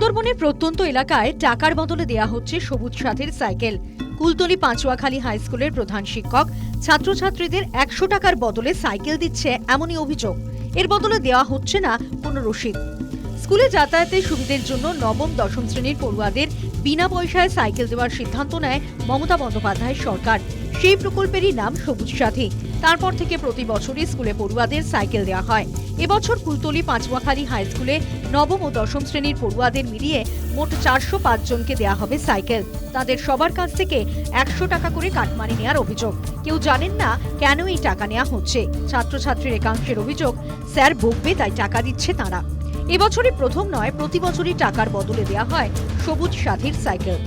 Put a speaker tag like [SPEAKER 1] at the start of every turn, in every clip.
[SPEAKER 1] সুন্দরবনের প্রত্যন্ত এলাকায় টাকার বদলে দেয়া হচ্ছে সবুজ সাথীর সাইকেল। কুলতলি পাঁচুয়াখালী হাই স্কুলের প্রধান শিক্ষক ছাত্রছাত্রীদের 100 টাকার বদলে সাইকেল দিচ্ছে এমনই অভিযোগ। এর বদলে দেওয়া হচ্ছে না কোনো রসিদ। স্কুলে যাতায়াতের সুবিধার জন্য নবম দশম শ্রেণীর পড়ুয়াদের বিনা পয়সায় সাইকেল দেওয়ার সিদ্ধান্ত নেয় মমতা বন্দ্যোপাধ্যায়ের সরকার। সেই প্রকল্পেরই নাম সবুজ সাথী। তারপর থেকে প্রতি বছরই স্কুলে পড়ুয়াদের সাইকেল দেওয়া হয়। এবছর কুলতলি পাঁচুয়াখালী হাই স্কুলে নবম ও দশম শ্রেণীর পড়ুয়াদের মিলিয়ে মোট 405 জনকে দেওয়া হবে সাইকেল। তাদের সবার কাছ থেকে 100 টাকা করে কাটমানি নেওয়ার অভিযোগ। কেউ জানেন না কেন এই টাকা নেওয়া হচ্ছে। ছাত্রছাত্রীর একাংশের অভিযোগ, স্যার বকবে তাই টাকা দিচ্ছে তারা। এবছরই প্রথম নয়, প্রতি বছরই টাকার বদলে দেওয়া হয় সবুজ সাথীর সাইকেল।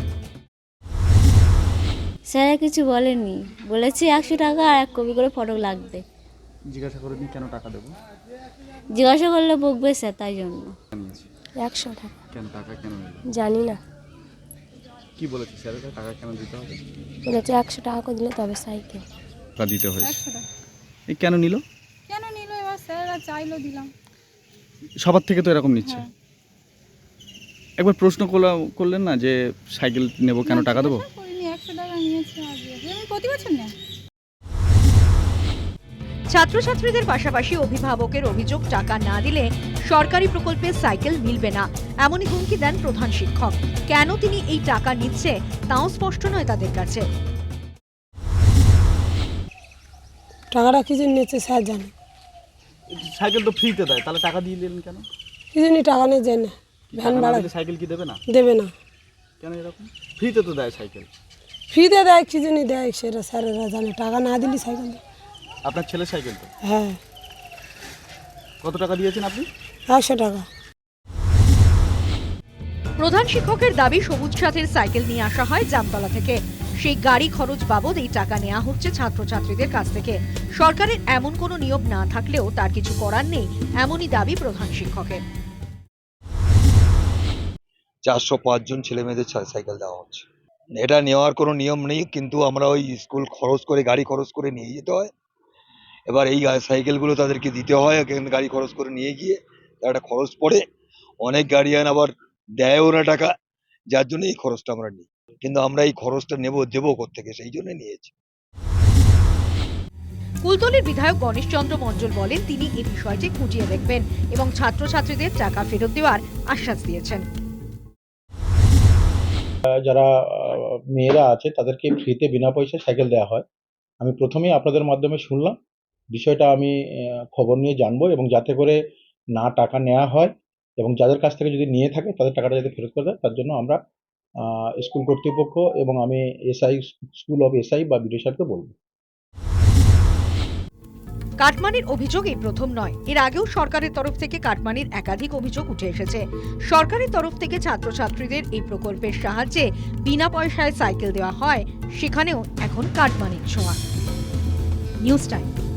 [SPEAKER 2] স্যার কিছু বলেনি, বলেছি 100 টাকা আর 1 কপি করে ফটো লাগবে।
[SPEAKER 3] জিজ্ঞাসা করেনি কেন টাকা দেবো?
[SPEAKER 2] জিজ্ঞাসা করলে বকবে স্যার, তাই জন্য।
[SPEAKER 4] 100 টাকা
[SPEAKER 3] কেন টাকা কেন নিল?
[SPEAKER 4] জানি না,
[SPEAKER 3] কি বলেছে স্যার? টাকা কেন দিতে হবে?
[SPEAKER 4] বলেছে 100 টাকা করে দিলে তবে সাইকেল
[SPEAKER 3] দিতে হয়েছে।
[SPEAKER 5] 100 টাকা
[SPEAKER 3] এই কেন নিল?
[SPEAKER 5] এবার স্যাররা চাইলো দিলাম।
[SPEAKER 3] সবার থেকে তো এরকম নিচ্ছে।
[SPEAKER 5] হ্যাঁ।
[SPEAKER 3] একবার প্রশ্ন করলেন না যে সাইকেল নেব কেন টাকা দেবো?
[SPEAKER 5] করিনি, 100 টাকা নিয়েছে আজকে। আমি প্রতি বছর নেই।
[SPEAKER 1] ছাত্রছাত্রীদের পাশাপাশি অভিভাবকের অভিযোগ, টাকা না দিলে সরকারি প্রকল্পের সাইকেল মিলবে না, এমনই হুমকি দেন প্রধান শিক্ষক। কেন তিনি এই টাকা নিচ্ছে তাও স্পষ্ট নয় তাদের কাছে।
[SPEAKER 6] টাকাটা কি জন্য নিচ্ছে স্যার জানে।
[SPEAKER 3] সাইকেল তো ফ্রিতে দেয়, তাহলে টাকা দিয়ে দিলেন কেন?
[SPEAKER 6] কি জন্য টাকা নিয়ে যায় না, ভ্যান ভাড়া
[SPEAKER 3] সাইকেল কি দেবে না?
[SPEAKER 6] দেবে না।
[SPEAKER 3] কেন এরকম? ফ্রিতে তো দেয় সাইকেল।
[SPEAKER 6] ফ্রিতে দেয়, কি জন্য দেয় সেটা স্যারেরা জানে। টাকা না দিলে সাইকেল দেয়।
[SPEAKER 3] আপনার ছেলে সাইকেল তো?
[SPEAKER 6] হ্যাঁ।
[SPEAKER 3] কত টাকা দিয়েছেন আপনি?
[SPEAKER 6] 100 টাকা।
[SPEAKER 1] প্রধান শিক্ষকের দাবি, সবুজ সাথীর সাইকেল নিয়ে আসা হয় জামতলা থেকে। সেই গাড়ি খরচ বাবদ এই টাকা নেওয়া হচ্ছে ছাত্রছাত্রীদের কাছ থেকে। সরকারের এমন কোনো নিয়ম না থাকলেও তার কিছু করার নেই, এমনই দাবি প্রধান শিক্ষকের।
[SPEAKER 7] 405 জন ছেলে মেয়েদের সাইকেল দেওয়া হচ্ছে। এটা নেওয়ার কোনো নিয়ম নেই, কিন্তু আমরা ওই স্কুল খরচ করে, গাড়ি খরচ করে নিয়ে যেতে হয়। এবার এই সাইকেলগুলো তাদেরকে দিতে হয়, গাড়ি খরচ করে নিয়ে গিয়ে একটা খরচ পড়ে। অনেক গার্ডিয়ান আবার দেয়ও না টাকা, যার জন্য এই খরচটা আমরা নিই। কিন্তু আমরা এই খরচটা দেবো কোত্থেকে, সেই জন্য নিয়েছি।
[SPEAKER 1] কুলতলির বিধায়ক গণেশ চন্দ্র মণ্ডল বলেন, তিনি এই বিষয়টি খুঁটিয়ে দেখবেন এবং ছাত্রছাত্রীদের টাকা ফেরত দেওয়ার আশ্বাস দিয়েছেন।
[SPEAKER 8] যারা মেয়েরা আছে তাদেরকে ফ্রিতে বিনা পয়সায় সাইকেল দেওয়া হয়। আমি প্রথমেই আপনাদের মাধ্যমে শুনলাম, বিষয়টা আমি খবর নিয়ে জানবো এবং যাতে করে না টাকা নেওয়া হয় এবং যাদের কাছ থেকে যদি নিয়ে থাকে তাদের টাকাটা যাতে ফেরত করে দেয়, তার জন্য আমরা স্কুল কর্তৃপক্ষ এবং আমি স্কুল অফ এসআই বা বিডিও সাহেবকে বলবো।
[SPEAKER 1] কাটমানির অভিযোগ এই প্রথম নয়, এর আগেও সরকারের তরফ থেকে কাটমানির একাধিক অভিযোগ উঠে এসেছে। সরকারের তরফ থেকে ছাত্রছাত্রীদের এই প্রকল্পের সাহায্যে বিনা পয়সায় সাইকেল দেওয়া হয়, সেখানেও এখন কাটমানির ছোঁয়া। News time.